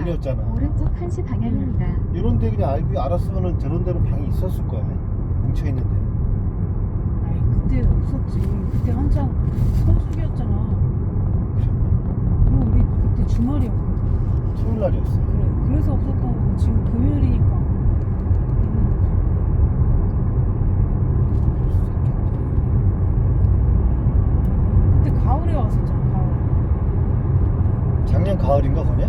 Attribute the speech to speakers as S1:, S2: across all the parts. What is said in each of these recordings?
S1: 길이었잖아.
S2: 오른쪽 1시 방향입니다.
S1: 이런 데 그냥 알았으면은 저런 데는 방이 있었을 거야. 뭉쳐있는 데는.
S3: 아이 그때 없었지. 그때 한창 성수기였잖아. 그리고 우리 그때 주말이었거든.
S1: 토요일 날이었어요.
S3: 그래. 그래서 없었던 거고 지금 금요일이니까 있는 거지. 그때 가을에 왔었잖아. 가을에.
S1: 작년 가을인가 거냐?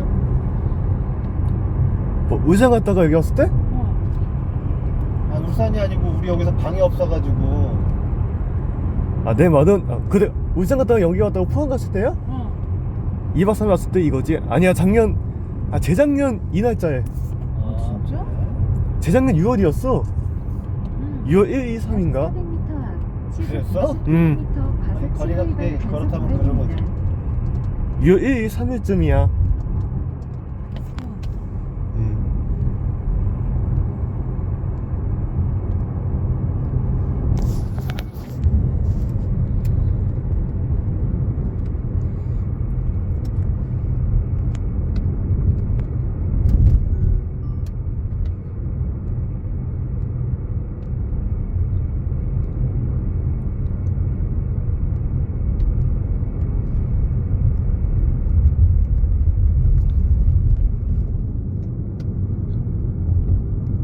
S4: 뭐 울산 갔다가 여기 왔을 때?
S3: 어.
S1: 아, 울산이 아니고 우리 여기서 방이 없어가지고.
S4: 아, 네, 맞은. 아, 그래. 울산 갔다가 여기 왔다가 포항 갔을 때야?
S3: 어.
S4: 2박 3일 왔을 때 이거지? 아니야, 작년. 아, 재작년 이 날짜에.
S3: 아, 진짜?
S4: 재작년 6월이었어. 6월 1, 2, 3인가?
S2: 400m 앞
S1: 그랬어?
S4: 嗯
S2: 과속
S1: 거리가
S2: 신호
S1: 그때
S2: 위반
S1: 그렇다면
S2: 단속
S1: 그런 거지.
S2: 구간입니다.
S4: 6월 1, 2, 3일쯤이야.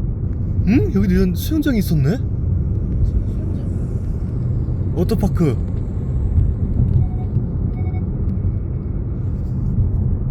S4: 응? 여기 이런 수영장이 있었네?
S3: 수영장.
S4: 워터파크.